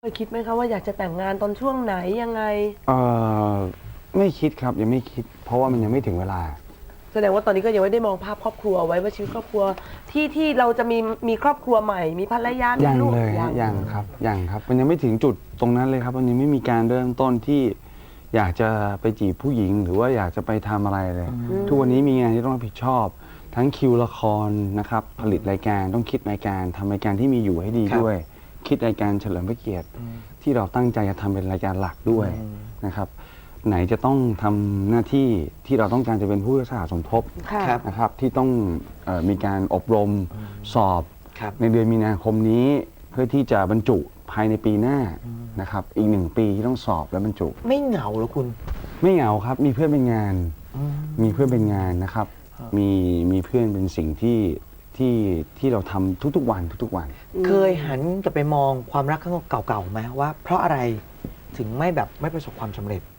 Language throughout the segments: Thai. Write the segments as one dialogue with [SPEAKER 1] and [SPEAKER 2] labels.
[SPEAKER 1] คิดไหมคะว่าอยากจะแต่งงานตอนช่วงไหนยังไง
[SPEAKER 2] ไม่คิดครับยังไม่คิด เพราะว่ามันยังไม่ถึงเวลา
[SPEAKER 1] แสดงว่าตอนนี้ก็ยังไม่ได้มองภาพครอบครัวไว้ว่าชีวิตครอบครัวที่เราจะมีครอบครัวใหม่มีภรรยามีลูก
[SPEAKER 2] ยังครับมันยังไม่ถึงจุดตรงนั้นเลยครับมันยังไม่มีการเริ่มต้นที่อยากจะไปจีบผู้หญิงหรือว่าอยากจะไปทำอะไรเลยทุกวันนี้มีงานที่ต้องรับผิดชอบทั้งคิวละครนะครับผลิตรายการต้องคิดรายการทำรายการที่มีอยู่ให้ดีด้วยคิดรายการเฉลิมพระเกียรติที่เราตั้งใจจะทำเป็นรายการหลักด้วยนะครับไหนจะต้องทำหน้าที่ที่เราต้องการจะเป็นผู้รักษาสมทบนะครับที่ต้องมีการอบรมสอบในเดือนมีนาคมนี้เพื่อที่จะบรรจุภายในปีหน้านะครับอีก1 ปีที่ต้องสอบและบรรจุ
[SPEAKER 3] ไม่เหงาหรอคุณ
[SPEAKER 2] ไม่เหงาครับมีเพื่อนเป็นงานมีเพื่อนเป็นงานนะครับมีเพื่อนเป็นสิ่งที่เราทำทุกๆวัน
[SPEAKER 3] เคยหันกลับไปมองความรักครั้งเก่าๆไหมว่าเพราะอะไรถึงไม่ประสบความสำเร็จ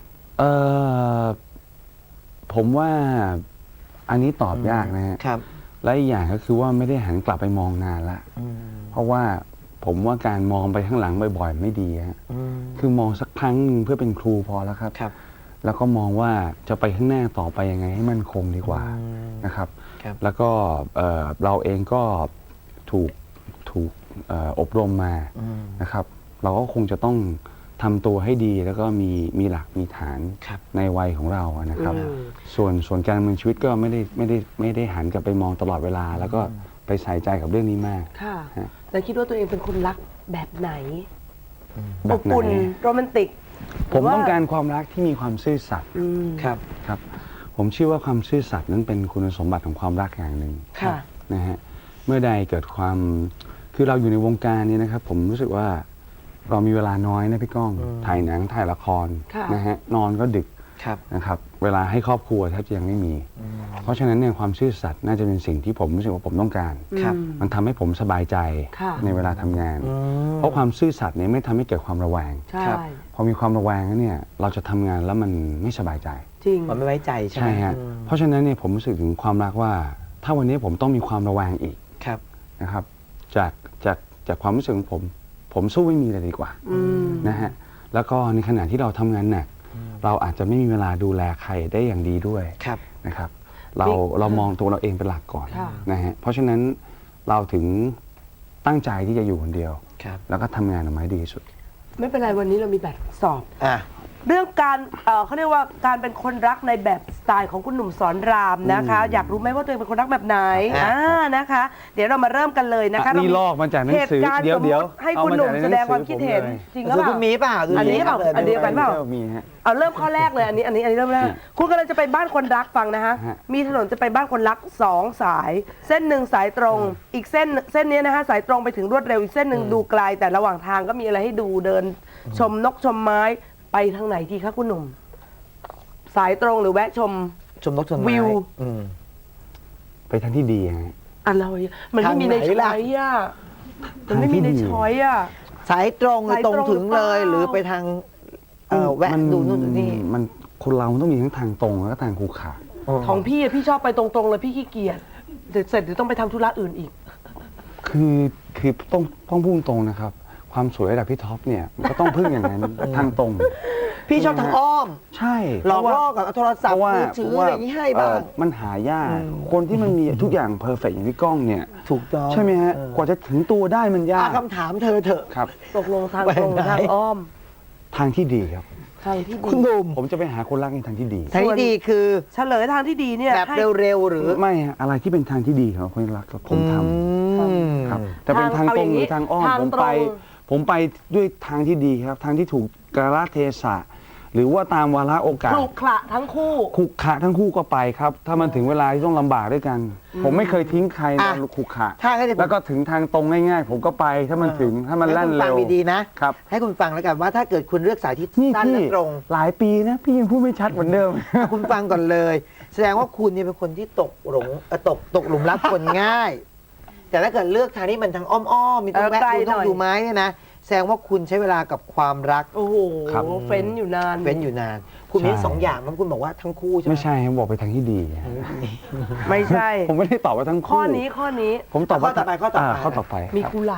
[SPEAKER 2] ผมว่าอันนี้ตอบยากนะฮะและอีกอย่างก็คือว่าไม่ได้หันกลับไปมองนานละเพราะว่าผมว่าการมองไปข้างหลังบ่อยๆไม่ดีฮะคือมองสักครั้งนึงเพื่อเป็นครูพอแล้วครับแล้วก็มองว่าจะไปข้างหน้าต่อไปยังไงให้มั่นคงดีกว่านะครับแล้วก็เราเองก็ถูกอบรมมานะครับเราก็คงจะต้องทำตัวให้ดีแล้วก็มีหลักมีฐานในวัยของเรานะครับส่วนการดำเนินชีวิตก็ไม่ได้หันกลับไปมองตลอดเวลาแล้วก็ไปใส่ใจกับเรื่องนี้มาก
[SPEAKER 1] ค่ะแล้วคิดว่าตัวเองเป็นคนรักแบบไหนอบอุ่นโรแมนติก
[SPEAKER 2] ผมต้องการความรักที่มีความซื่อสัตย์ครับผมเชื่อว่าความซื่อสัตย์นั้นเป็นคุณสมบัติของความรักอย่างหนึ่งนะฮะเมื่อใดเกิดความคือเราอยู่ในวงการนี้นะครับผมรู้สึกว่าเรามีเวลาน้อยนะพี่ก้องถ่ายหนังถ่ายละครนะฮะนอนก็ดึกนะครับเวลาให้ครอบครัวแทบจะยังไม่มีเพราะฉะนั้นเนี่ยความซื่อสัตย์น่าจะเป็นสิ่งที่ผมรู้สึกว่าผมต้องการมันทำให้ผมสบายใจในเวลาทำงานเพราะความซื่อสัตย์เนี่ยไม่ทำให้เกิดความระแวงพอมีความระแวงแล้วเนี่ยเราจะทำงานแล้วมันไม่สบายใจ
[SPEAKER 1] จริง
[SPEAKER 3] มันไม่ไว้ใจใช่
[SPEAKER 2] ฮะเพราะฉะนั้นเนี่ยผมรู้สึกถึงความรักว่าถ้าวันนี้ผมต้องมีความระแวงอีกนะครับจากความรู้สึกของผมสู้ไม่มีเลยดีกว่านะฮะแล้วก็ในขณะที่เราทำงานหนักเราอาจจะไม่มีเวลาดูแลใครได้อย่างดีด้วยนะครับเรามองตัวเราเองเป็นหลักก่อนนะฮะเพราะฉะนั้นเราถึงตั้งใจที่จะอยู่คนเดียวแล้วก็ทำงานออกมาให้ดีที่สุด
[SPEAKER 1] ไม่เป็นไรวันนี้เรามีแบบสอบเรื่องการเขาเรียกว่าการเป็นคนรักในแบบสไตล์ของคุณหนุ่มสอนรามนะคะอยากรู้ไหมว่าตัวเองเป็นคนรักแบบไหนนะคะเดี๋ยวเรามาเริ่มกันเลยนะคะ
[SPEAKER 2] นี่ลอกมาจากหนังสือเดี๋ยว
[SPEAKER 1] ให้คุณหนุ่มแสดงความคิดเห็นจริงหรือเปล่า
[SPEAKER 3] คุณมีเปล่า
[SPEAKER 1] อันนี้เปล่าอันเดียวกันเปล่าเอาเริ่มข้อแรกเลยอันนี้เริ่มแรกคุณกำลังจะไปบ้านคนรักฟังนะฮะมีถนนจะไปบ้านคนรัก2 สายเส้นหนึ่งสายตรงอีกเส้นนี้นะคะสายตรงไปถึงรวดเร็วอีกเส้นหนึ่งดูไกลแต่ระหว่างทางก็มีอะไรให้ดูเดินชมนกชมไม้ไปทางไหนดีคะคุณหนุ่มสายตรงหรือแวะชม
[SPEAKER 3] นกชมไม้
[SPEAKER 1] วิว
[SPEAKER 2] ไปทางที่ดีฮะ
[SPEAKER 1] อะไรมันไม่มีในช้อยอ่ะมันไม่มีในช้อยอ่ะ
[SPEAKER 3] สายตรงตรงถึงเลยหรือไปทางแวะดูนู่นดูนี่
[SPEAKER 2] มันคนเราต้องมีทั้งทางตรงแล้วก็ทางขรุขระ
[SPEAKER 1] ของพี่ชอบไปตรงๆเลยพี่ขี้เกียจเสร็จเดี๋ยวต้องไปทำธุระอื่นอีก
[SPEAKER 2] คือต้องพุ่งตรงนะครับความสวยระดับพี่ท็อปเนี่ยมันก็ต้องพึ่งอย่างนั้นทางตรง
[SPEAKER 3] พี่ชอบทางอ้อม
[SPEAKER 2] ใช่
[SPEAKER 3] หลอกล่อกับโทรศัพท์มือถืออะไรอย่างนี้ให้บ้าง
[SPEAKER 2] มันหายากคนที่มันมีทุกอย่างเพอร์เฟกต์อย่างพี่ก้องเนี่ย
[SPEAKER 3] ถูกต้อง
[SPEAKER 2] ใช่ไหมฮะกว่าจะถึงตัวได้มันยาก
[SPEAKER 3] คำถามเธอเถอะ
[SPEAKER 2] ครับ
[SPEAKER 1] ตกลงทางตรงทางอ้อม
[SPEAKER 2] ทางที่ดีครับ
[SPEAKER 1] ทางที่ดี
[SPEAKER 3] คุณหนุ่ม
[SPEAKER 2] ผมจะไปหาคนรักในทางที่ดี
[SPEAKER 3] ทางที่ดีคือ
[SPEAKER 1] เฉลยทางที่ดีเนี่ย
[SPEAKER 3] แบบเร็วๆหรือ
[SPEAKER 2] ไม่อะไรที่เป็นทางที่ดีของคนรักผมทำครับแต่เป็นทางตรงหรือทางอ้อมผมไปด้วยทางที่ดีครับทางที่ถูกกาลเทศะหรือว่าตามวาระโอกาส
[SPEAKER 1] ขรุขระทั้ง
[SPEAKER 2] คู่ก็ไปครับถ้ามันถึงเวลาที่ต้องลำบากด้วยกันผมไม่เคยทิ้งใครนะขรุขระแล้วก็ถึงทางตรงง่ายๆผมก็ไปถ้ามันถึงถ้ามันแล่นเร็ว
[SPEAKER 3] ดีนะครับให้คุณฟังแล้วกันว่าถ้าเกิดคุณเลือกสายที่สั้นและตรง
[SPEAKER 2] หลายปีนะพี่ยังพูดไม่ชัดเหมือนเดิม
[SPEAKER 3] คุณฟังก่อนเลยแสดงว่าคุณเนี่ยเป็นคนที่ตกหลุมรักคนง่ายแต่ถ้าเกิดเลือกทางที่มันทางอ้อมๆมีต้องแวะดูต้องดูไม้เนี่ยนะแสดงว่าคุณใช้เวลากับความรัก
[SPEAKER 1] โอ้โหเฟ้นอยู่นาน
[SPEAKER 3] คุณมี2 อย่างมันคุณบอกว่าทั้งคู่ใช่ไหม
[SPEAKER 2] ไม่ใช่ผมบอกไปทางที่ดี
[SPEAKER 1] ไม่ใช่
[SPEAKER 2] ผมไม่ได้ตอบว่าทั้งคู่
[SPEAKER 1] ข้อนี้
[SPEAKER 2] ผมตอบว่า
[SPEAKER 3] ข้อต่อไป
[SPEAKER 2] มี
[SPEAKER 1] กุหลาบ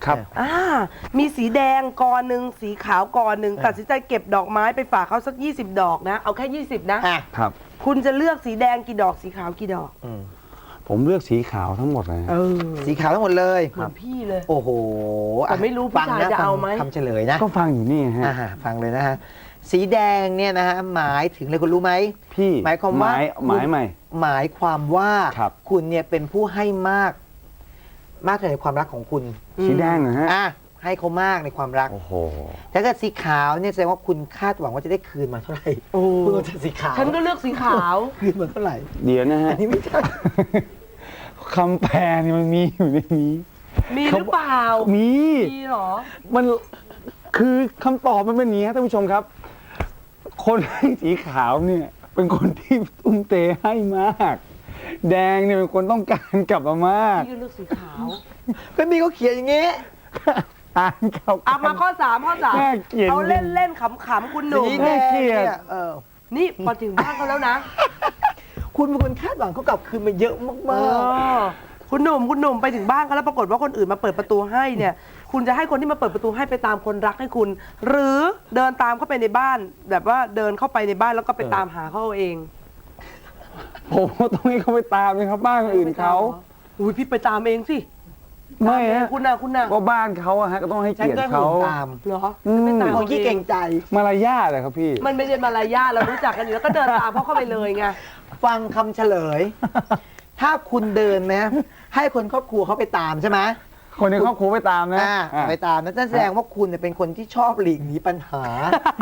[SPEAKER 2] ครับ
[SPEAKER 1] มีสีแดงกอหนึ่งสีขาวกอหนึ่งตัดสินใจเก็บดอกไม้ไปฝากเขาสัก20 ดอกนะ เอาแค่ 20 นะ
[SPEAKER 2] ครับ
[SPEAKER 1] คุณจะเลือกสีแดงกี่ดอกสีขาวกี่ดอก
[SPEAKER 2] ผมเลือกสีขาวทั้งหมดเลย
[SPEAKER 3] สีขาวทั้งหมดเลย
[SPEAKER 1] เหมือนพี่เลย
[SPEAKER 3] โอ้โห
[SPEAKER 1] แต่ไม่รู้ผู้ชายจะเอาไหม
[SPEAKER 3] ฟังคำเฉลยนะ
[SPEAKER 2] ก็ฟังอยู่นี่ฮะ
[SPEAKER 3] ฟังเลยนะฮะ สีแดงเนี่ยนะฮะหมายถึงอะไรคุณรู้ไหม
[SPEAKER 2] พี่
[SPEAKER 3] หมายความว่า
[SPEAKER 2] หมายใหม่
[SPEAKER 3] หมายความว่า
[SPEAKER 2] ครับ
[SPEAKER 3] คุณเนี่ยเป็นผู้ให้มากในความรักของคุณ
[SPEAKER 2] สีแดงเหรอฮะ
[SPEAKER 3] ให้เขามากในความรัก
[SPEAKER 2] โอ้โห
[SPEAKER 3] ถ้าเกิดสีขาวเนี่ยแสดงว่าคุณคาดหวังว่าจะได้คืนมาเท่าไหร่
[SPEAKER 1] โอ้
[SPEAKER 3] คุณก็จะสีขาว
[SPEAKER 1] ฉันก็เลือกสีขาว
[SPEAKER 3] คืนมาเท่าไหร่
[SPEAKER 2] เดี๋ยวนะฮะ
[SPEAKER 3] อันนี้ไม่ใช่
[SPEAKER 2] คำแปลนี่มันมีอยู่ในนี้
[SPEAKER 1] มีหรือเปล่า
[SPEAKER 2] มี
[SPEAKER 1] มีเหรอ
[SPEAKER 2] มันคือคำตอบมันเป็นอย่างนี้ครับท่านผู้ชมครับ คนให้สีขาวเนี่ย เป็นคนที่ตุ้มเตให้มาก แดงเนี่ยเป็นคนต้องการกลับมามาก
[SPEAKER 1] พี่ก็เลือกสีขาว
[SPEAKER 3] ก็มีเขาเขียนอย่างงี้
[SPEAKER 2] อ่านเก่า
[SPEAKER 1] เอามาข้อ 3 ข้อ
[SPEAKER 2] น่าเกลียด
[SPEAKER 1] 3เอาเล่นเล่นๆขำๆคุณหนุ่ม
[SPEAKER 3] สีแดงเนี่ย
[SPEAKER 1] นี่พอถึงบ้านเขาแล้วนะ
[SPEAKER 3] คุณเป็นคนคาดหวังเขากลับคืนมาเยอะมาก
[SPEAKER 1] คุณหนุ่มไปถึงบ้านเขาแล้วปรากฏว่าคนอื่นมาเปิดประตูให้เนี่ย คุณจะให้คนที่มาเปิดประตูให้ไปตามคนรักให้คุณ หรือเดินตามเข้าไปในบ้าน แบบว่าเดินเข้าไปในบ้านแล้วก็ไปตามหาเขาเอง
[SPEAKER 2] ผมก็ต้องให้เขาไปตามเลยครับบ้านคนอื่นเขา
[SPEAKER 1] อุ้ยพี่ไปตามเองสิ
[SPEAKER 2] ไม่
[SPEAKER 1] ตาเอง
[SPEAKER 2] ฮะ
[SPEAKER 1] คุณน่ะ
[SPEAKER 2] ว่าบ้านเขาอะฮะก็ต้องให้
[SPEAKER 3] ๆฉัน
[SPEAKER 2] เกียร
[SPEAKER 3] ก็
[SPEAKER 2] ติ
[SPEAKER 3] หนุ
[SPEAKER 2] เขา
[SPEAKER 3] นตาม
[SPEAKER 1] เหรอ
[SPEAKER 2] อืม
[SPEAKER 1] ไม่ตาม
[SPEAKER 3] คนขี้เก่งใจ
[SPEAKER 2] มารยาทเลยครับพี่
[SPEAKER 1] มันไม่ใช่มารยาทเรารู้จักกันอยู่แล้วก็เดินตามเขาเข้าไปเลยไง
[SPEAKER 3] ฟังคำเฉลย ถ้าคุณเดินนะให้คนครอบครัวเขาไปตามใช่ไหม
[SPEAKER 2] คนในครอบครัวไปตามนะ
[SPEAKER 3] ไปตามนั่นแสดงว่าคุณเนี่ยเป็นคนที่ชอบหลีกหนีปัญหา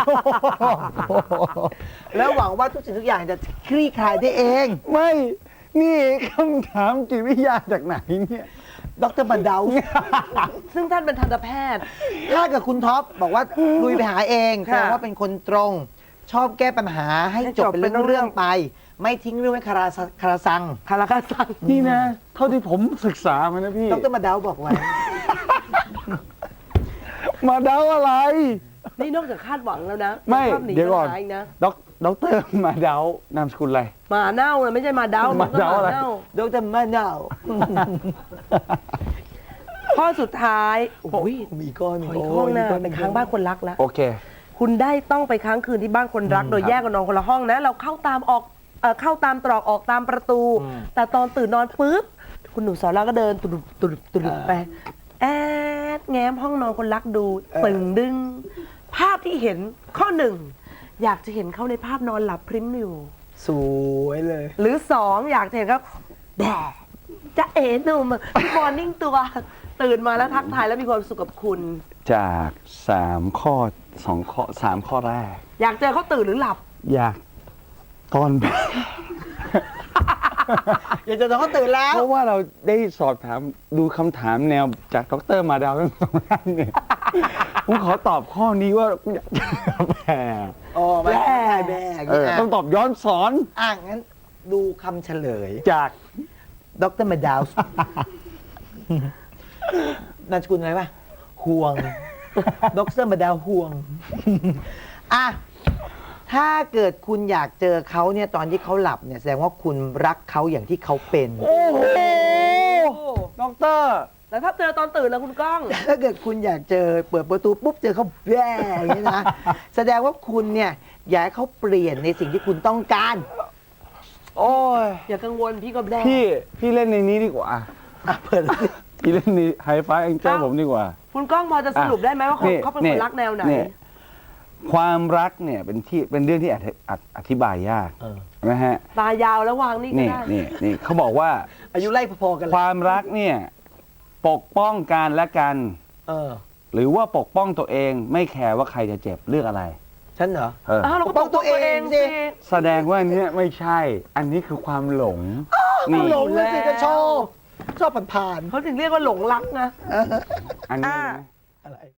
[SPEAKER 3] แล้วหวังว่าทุกสิ่งทุกอย่างจะคลี่คลายได้เอง
[SPEAKER 2] ไม่ นี่คำถามจิตวิทยาจากไหนเนี่ย
[SPEAKER 3] ดรบันเดา
[SPEAKER 1] ซึ่งท่านเป็นทันตแพทย์
[SPEAKER 3] ถ้าเกิดคุณท็อปบอกว่าลุยไปหาเองแส
[SPEAKER 1] ค่ะ
[SPEAKER 3] ดงว่าเป็นคนตรง ชอบแก้ปัญหาให้จบเป็นเรื่องๆไป ไม่ทิ้งเรื่องไว้คาราซัง
[SPEAKER 1] คาราคาซัง
[SPEAKER 2] นี่นะ เท่าที่ผมศึกษามานะพี่
[SPEAKER 3] ดรบันเดาบอกไว้
[SPEAKER 2] มาเดาอะไร
[SPEAKER 1] นี่นอกจากคาดหวังแล้วนะ
[SPEAKER 2] ไม่
[SPEAKER 1] ชอบหนี
[SPEAKER 2] เดี๋ยวก่อน
[SPEAKER 1] ปัญหาอีกนะ
[SPEAKER 2] ด็อกเตอร์มาเดานามสกุลอะไร
[SPEAKER 1] หมาเน่านะไม่ใช่หมาเด้า
[SPEAKER 2] หมาเด้าอะไร
[SPEAKER 1] หน่
[SPEAKER 3] ดรบันเดา
[SPEAKER 1] ข้อสุดท้ายโอ้ย
[SPEAKER 3] มีก้อน
[SPEAKER 1] ขออีกห้องหน้าไปค้างบ้านคนรักแล้ว
[SPEAKER 2] โอเค
[SPEAKER 1] คุณได้ต้องไปค้างคืนที่บ้านคนรัก โดยแยกกันนอนคนละห้องนะ เราเข้าตามเข้าตามตรอกออกตามประตู แต่ตอนตื่นนอนปุ๊บคุณหนูสอนเราก็เดินตุดไปแอดแง้มห้องนอนคนรักดูตึงดึง ภาพที่เห็นข้อ 1 อยากจะเห็นเขาในภาพนอนหลับพริ้มอยู่
[SPEAKER 3] สวยเลย
[SPEAKER 1] หรือ 2 อยากจะเห็นเขาแดดจะเอ๋หนุ่มพี่มอร์นิ่งตัวตื่นมาแล้วทักทายแล้วมีความสุขกับคุณ
[SPEAKER 2] จาก3 ข้อ 2 ข้อ 3 ข้อแรก
[SPEAKER 1] อยากเจอเขาตื่นหรือหลับ
[SPEAKER 2] อยากตอน
[SPEAKER 3] อย่าจะต้องเขาตื่นแล้ว
[SPEAKER 2] เพราะว่าเราได้สอบถามดูคำถามแนวจากดรมาดาวทั้งสองท่านเนี่ย ผมขอตอบข้อนี้ว่าอยากจะแผ่
[SPEAKER 3] อ๋อไม่ใช่แบก
[SPEAKER 2] ต้องตอบย้อนสอน
[SPEAKER 3] งั้นดูคำเฉลย
[SPEAKER 2] จาก
[SPEAKER 3] ดรมาดาวส์นามสกุลอะไรป่ะห่วง ดรมาดาวห่วง ถ้าเกิดคุณอยากเจอเขาเนี่ยตอนที่เขาหลับเนี่ยแสดงว่าคุณรักเขาอย่างที่เขาเป็น
[SPEAKER 2] โอ้โหด็อกเตอร์
[SPEAKER 1] แล้วถ้าเจอตอนตื่นแล้วคุณก้อง
[SPEAKER 3] ถ้าเกิดคุณอยากเจอเปิดประตูปุ๊บเจอเขาแย่อย่างนี้นะ แสดงว่าคุณเนี่ยอยากให้เขาเปลี่ยนในสิ่งที่คุณต้องการ
[SPEAKER 2] โอ้ย
[SPEAKER 1] อย่ากังวลพี่ก็แด้
[SPEAKER 2] พี่เล่นในนี้ดีกว่า
[SPEAKER 3] เปิดสิ
[SPEAKER 2] พี่เล่นในไฮไฟแองเจิลผมดีกว่า
[SPEAKER 1] คุณก้องพอจะสรุปได้ไหมว่า
[SPEAKER 2] นี่
[SPEAKER 1] เขาเป็นคนรักแนวไหน
[SPEAKER 2] ความรักเนี่ยเป็นเรื่องที่อธิบายยากนะฮะ
[SPEAKER 1] ตายาวแล้ววางนี่ก็
[SPEAKER 2] นี่
[SPEAKER 1] ได้
[SPEAKER 2] นี่เขาบอกว่า
[SPEAKER 3] อายุไล่พอๆกัน
[SPEAKER 2] ความ รักเนี่ยปกป้องกันและกัน หรือว่าปกป้องตัวเองไม่แคร์ว่าใครจะเจ็บเลือกอะไร
[SPEAKER 3] ฉันเหรอ
[SPEAKER 1] อ้าวเราก็ปกป้องตัวเองสิ
[SPEAKER 2] แสดงว่าอันเนี้ยไม่ใช่ อันนี้คือความหลง นี่
[SPEAKER 3] หลงเลยสิก็ชอบผ่าน
[SPEAKER 1] เขาถึงเรียกว่าหลงรักนะ
[SPEAKER 2] อันนี้นะ
[SPEAKER 3] ๆอะไร